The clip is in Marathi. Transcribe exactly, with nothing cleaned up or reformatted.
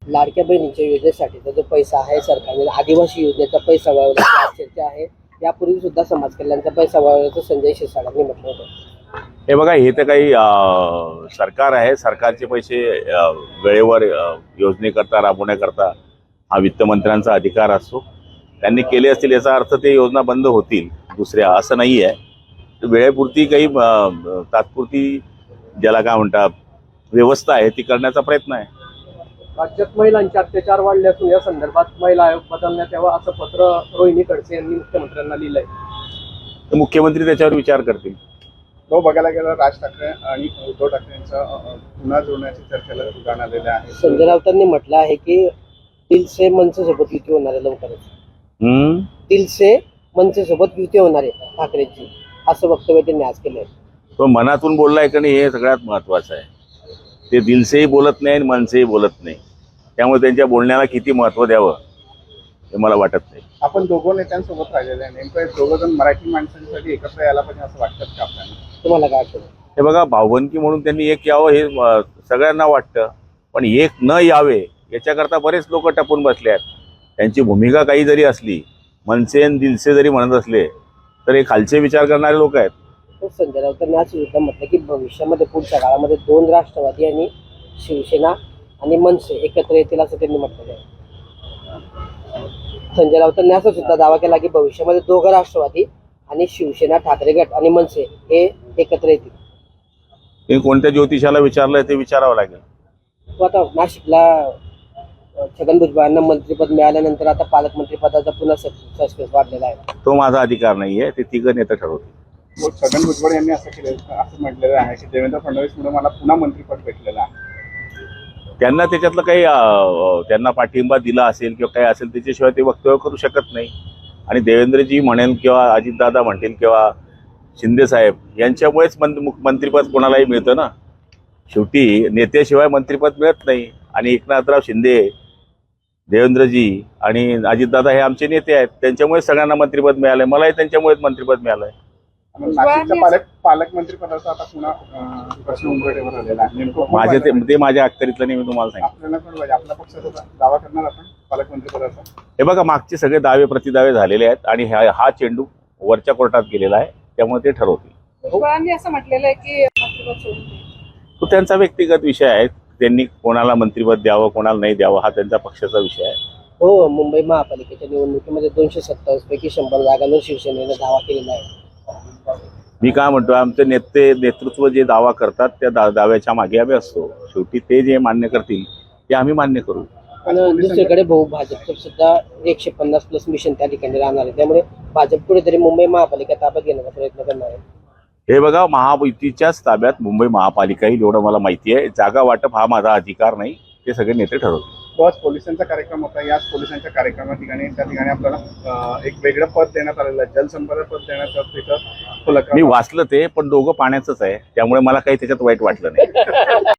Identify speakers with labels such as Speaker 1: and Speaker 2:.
Speaker 1: लाडक्या बहिणीच्या योजनेसाठीचा जो पैसा आहे सरकारने आदिवासी योजनेचा पैसा वळवण्याची चर्चा आहे। यापूर्वी सुद्धा समाज कल्याणचा पैसा वळवल्याचं संजय शिरसाटांनी म्हटलं होतं।
Speaker 2: हे बघा, हे तर काही सरकार आहे, सरकारचे पैसे वेळेवर योजनेकरता राबवण्याकरता हा वित्तमंत्र्यांचा अधिकार असतो। त्यांनी केले असतील याचा अर्थ ते योजना बंद होतील दुसऱ्या असं नाही आहे। वेळेपुरती काही तात्पुरती ज्याला काय म्हणतात व्यवस्था आहे ती करण्याचा प्रयत्न आहे।
Speaker 1: राज्यात महिलांचे अत्याचार वाढले असून या संदर्भात महिला आयोग बदलण्यात यावा असं पत्र रोहिणी खडसे यांनी मुख्यमंत्र्यांना लिहिलंय।
Speaker 2: तर मुख्यमंत्री त्याच्यावर विचार करतील।
Speaker 3: तो बघायला गेला राज ठाकरे आणि उद्धव ठाकरेंचा पुन्हा जोडण्याची चर्चेला उदाहरण आलेलं आहे।
Speaker 1: संजय राऊतांनी म्हटलं आहे की दिल से मनसे सोबत युती होणार आहे लवकरच।
Speaker 2: हम्म
Speaker 1: दिल से मनसे सोबत युती होणार आहे ठाकरेंची असं वक्तव्य त्यांनी आज केलंय।
Speaker 2: तो मनातून बोललाय का नाही हे सगळ्यात महत्वाचं आहे। ते दिलसेही बोलत नाही आणि मनसेही बोलत नाही, त्यामुळे त्यांच्या बोलण्याला किती महत्व द्यावं हे मला वाटत नाही।
Speaker 3: आपण दोघं नेत्यांसोबत राहिलेले आहे, नेमकं दोघं जण मराठी माणसांसाठी एकत्र यायला पाहिजे असं वाटतं का आपल्याला?
Speaker 1: तुम्हाला काय वाटतं?
Speaker 2: हे बघा, भावबंदकी म्हणून त्यांनी एक यावं हे सगळ्यांना वाटतं, पण एक न यावे याच्याकरता बरेच लोक टपून बसले आहेत। त्यांची भूमिका काही जरी असली, मनसे आणि दिलसे जरी म्हणत असले तर हे खालचे विचार करणारे लोक आहेत।
Speaker 1: संजय राऊतांनी आज सुद्धा म्हटलं की भविष्यामध्ये पुढच्या काळामध्ये दोन राष्ट्रवादी आणि शिवसेना आणि मनसे एकत्र येतील असं त्यांनी म्हटलेलं आहे। संजय राऊतांनी असं सुद्धा दावा केला की भविष्यामध्ये दोघं राष्ट्रवादी आणि शिवसेना ठाकरे गट आणि मनसे हे एकत्र येतील।
Speaker 2: हे कोणत्या ज्योतिषाला विचारलंय ते विचारावं लागेल।
Speaker 1: आता नाशिकला छगन भुजबळांना मंत्रिपद मिळाल्यानंतर आता पालकमंत्री पदाचा पुन्हा सस्पेन्स वाढलेला आहे।
Speaker 2: तो माझा अधिकार नाहीये, ते तिघं नेते ठरवतील।
Speaker 3: छगन भुजबळ यांनी असं केलं असं म्हटलेलं आहे की देवेंद्र फडणवीस म्हणून मला पुन्हा मंत्रिपद भेटलेलं आहे।
Speaker 2: त्यांना त्याच्यातलं काही त्यांना पाठिंबा दिला असेल किंवा काही असेल त्याच्याशिवाय ते वक्तव्य करू शकत नाही। आणि देवेंद्रजी म्हणेल किंवा अजितदादा म्हणतील किंवा शिंदे साहेब यांच्यामुळेच मंत्रिपद कोणालाही मिळतं ना। शेवटी नेत्याशिवाय मंत्रिपद मिळत नाही। आणि एकनाथराव शिंदे, देवेंद्रजी आणि अजितदादा हे आमचे नेते आहेत, त्यांच्यामुळे सगळ्यांना मंत्रिपद मिळालंय। मलाही त्यांच्यामुळेच मंत्रिपद मिळालंय।
Speaker 3: नाशिकच्या पालक पालकमंत्री पदाचा आता पुन्हा प्रश्न उमटण्यावर आलेला आहे। नेमकं
Speaker 2: माझे ते ते माझ्या अखत्यारीतलं नाही, मी तुम्हाला सांगितलं।
Speaker 3: आपल्याला पण पाहिजे, आपल्या पक्षाचा दावा करणार आपण पालकमंत्री पदाचा?
Speaker 2: हे बघा, मागचे सगळे दावे प्रतिदावे झालेले आहेत आणि हा चेंडू वरच्या कोर्टात गेलेला आहे, त्यामुळे ते ठरवतील।
Speaker 4: भुजबळांनी असं म्हटलेलं आहे की मंत्रिपद सोडून दे।
Speaker 2: तो त्यांचा व्यक्तिगत विषय आहे। त्यांनी कोणाला मंत्रिपद द्यावं कोणाला नाही द्यावं हा त्यांचा पक्षाचा विषय आहे।
Speaker 1: हो, मुंबई महापालिकेच्या निवडणुकीमध्ये दोनशे सत्तावीस पैकी शंभर जागांवर शिवसेनेने दावा केलेला आहे।
Speaker 2: मी काय म्हणतो, आमचे नेते नेतृत्व जे दावा करतात त्या दा दाव्याच्या मागे आम्ही असतो। शेवटी ते जे मान्य करतील ते आम्ही मान्य करू।
Speaker 1: आणि दुसरीकडे भाऊ भाजपचं सुद्धा एकशे पन्नास प्लस मिशन त्या ठिकाणी राहणार आहे, त्यामुळे भाजप कुठेतरी मुंबई महापालिका ताब्यात घेण्याचा प्रयत्न करणार आहे।
Speaker 2: हे बघा, महायुतीच्याच ताब्यात मुंबई महापालिका येईल एवढं मला माहिती आहे। जागा वाटप हा माझा अधिकार नाही, ते सगळे नेते ठरवतील।
Speaker 3: आज पोलिसांचा कार्यक्रम होता, याच पोलिसांच्या कार्यक्रमा ठिकाणी त्या ठिकाणी आपल्याला एक वेगळं पद देण्यात आलेलं आहे, जलसंपदा पद देण्याचं तिथं
Speaker 2: मी वाचलं ते, पण दोघं पाण्याचंच आहे, त्यामुळे मला काही त्याच्यात वाईट वाटलं नाही।